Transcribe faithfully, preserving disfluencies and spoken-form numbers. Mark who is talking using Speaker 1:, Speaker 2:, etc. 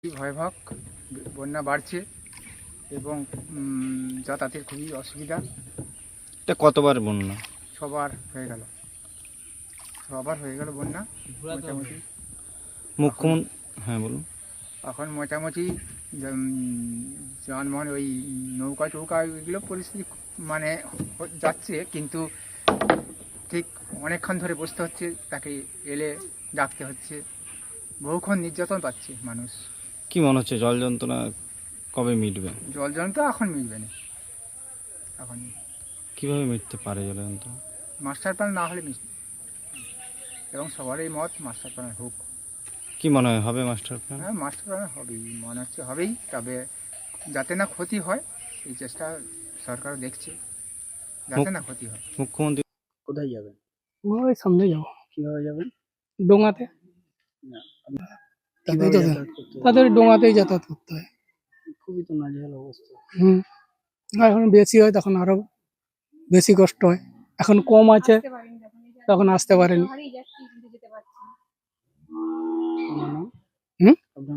Speaker 1: ভয়াবহ বন্যা বাড়ছে এবং উম, যাতায়াতের খুবই অসুবিধা।
Speaker 2: এটা কতবার বন্যা?
Speaker 1: সবার হয়ে গেল সবার হয়ে গেল বন্যা মোটামুটি।
Speaker 2: মুখ্যমন্ত্রী, হ্যাঁ বলুন।
Speaker 1: এখন মোটামুটি উম, যানবাহন ওই নৌকা টৌকা এগুলো পরিস্থিতি মানে হ- যাচ্ছে, কিন্তু ঠিক অনেকক্ষণ ধরে বসতে হচ্ছে, তাকে এলে ডাকতে হচ্ছে, বহুক্ষণ নির্যাতন পাচ্ছে মানুষ।
Speaker 2: কি মনে হচ্ছে জল যন্ত্রণা কবে মিটবে?
Speaker 1: জল জন তো এখন মিলবে না, এখন
Speaker 2: কিভাবে মিটতে পারে জল যন্ত্রণা?
Speaker 1: মাস্টার প্ল্যান না হলে মিলবে, এবং সবারই মত মাস্টার প্ল্যান হোক।
Speaker 2: কি মনে হয় হবে মাস্টার প্ল্যান?
Speaker 1: হ্যাঁ, মাস্টার প্ল্যান হবেই, মনে হচ্ছে হবেই, তবে যাতে না ক্ষতি হয় এই চেষ্টা সরকারও দেখছে, যাতে না ক্ষতি হয়।
Speaker 2: মুখ্যমন্ত্রী
Speaker 3: কোথায় যাবেন?
Speaker 4: ওই সামনে যাবো
Speaker 3: কিভাবে যাবেন?
Speaker 4: ডোঙাতে।
Speaker 3: না, আপনি
Speaker 4: তাদের
Speaker 3: কিভাবে
Speaker 4: তো
Speaker 3: যাতায়াত করতে হবে?
Speaker 4: তাদের ডোঙাতেই যাতায়াত করতে হয়।
Speaker 3: খুবই তো নাজেহাল অবস্থা।
Speaker 4: হুম আর এখন বেশি হয় তখন আরো বেশি কষ্ট হয়। এখন কম আছে তখন আসতে পারেনি।
Speaker 3: আপনার নাম?